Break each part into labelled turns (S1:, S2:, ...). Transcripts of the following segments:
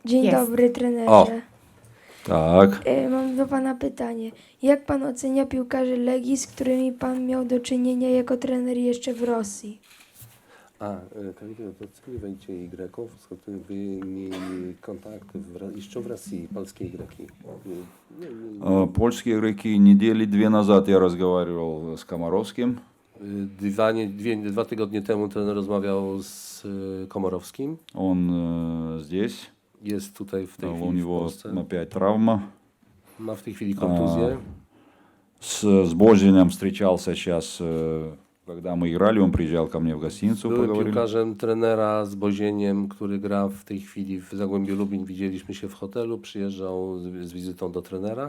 S1: Dzień
S2: Jest.
S1: dobry, trenerze.
S3: O. Tak.
S1: Mam do pana pytanie. Jak pan ocenia piłkarzy Legii, z którymi pan miał do czynienia jako trener jeszcze w Rosji?
S3: Коллеги, вот оцениваете игроков, с которыми вы имели контакт еще в России, польские игроки?
S4: Польские игроки недели 2 назад я разговаривал с Комаровским.
S3: Dwa tygodnie temu trener rozmawiał z Komorowskim.
S4: Он здесь.
S3: Jest tutaj w tej
S4: У
S3: chwili w
S4: него
S3: Polsce.
S4: опять травма.
S3: Ma w tej chwili kontuzję.
S4: С Божиным встречался сейчас, когда мы играли, он приезжал ко мне в гостиницу,
S3: Były
S4: поговорили.
S3: piłkarzem trenera z Bozieniem, który gra w tej chwili w Zagłębiu Lubin. Widzieliśmy się w hotelu, przyjeżdżał z wizytą do trenera.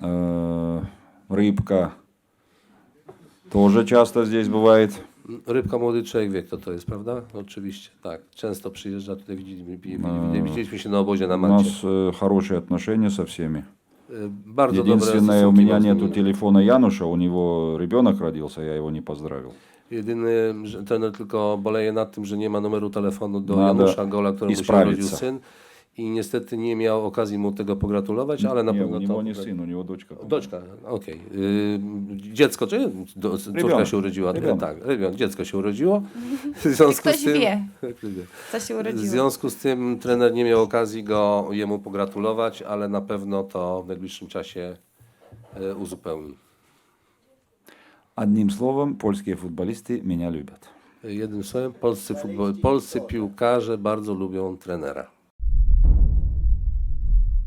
S4: Рыбка тоже часто здесь бывает.
S3: Rybka młody człowiek wie, kto to jest, prawda? Oczywiście, tak. Często przyjeżdża tutaj, widzieliśmy się na obozie na
S4: У
S3: Malcie.
S4: нас хорошие отношения со всеми.
S3: Bardzo dobre
S4: Единственное, у
S3: stosunki
S4: меня
S3: mam z
S4: нету
S3: nimi.
S4: телефона Януша, у него ребенок родился, я его не поздравил.
S3: Jedyny, że trener tylko boleje nad tym, że nie ma numeru telefonu do
S4: Nada
S3: Janusza Gola, któremu się
S4: исправиться.
S3: urodził syn. I niestety nie miał okazji mu tego pogratulować, ale na
S4: Не,
S3: pewno
S4: у
S3: to...
S4: него не сын, у него дочка.
S3: Doczka, okej. Dziecko, czy córka
S4: Rybion.
S3: się urodziła?
S4: Rybion.
S3: Tak, dziecko się urodziło. W związku
S2: Ktoś
S3: z tym,
S2: wie, co się
S3: w
S2: urodziło.
S3: związku z tym trener nie miał okazji jemu pogratulować, ale na pewno to w najbliższym czasie uzupełni.
S4: Одним словом, польские футболисты меня любят.
S3: Jednym słowem, polscy piłkarze bardzo lubią trenera.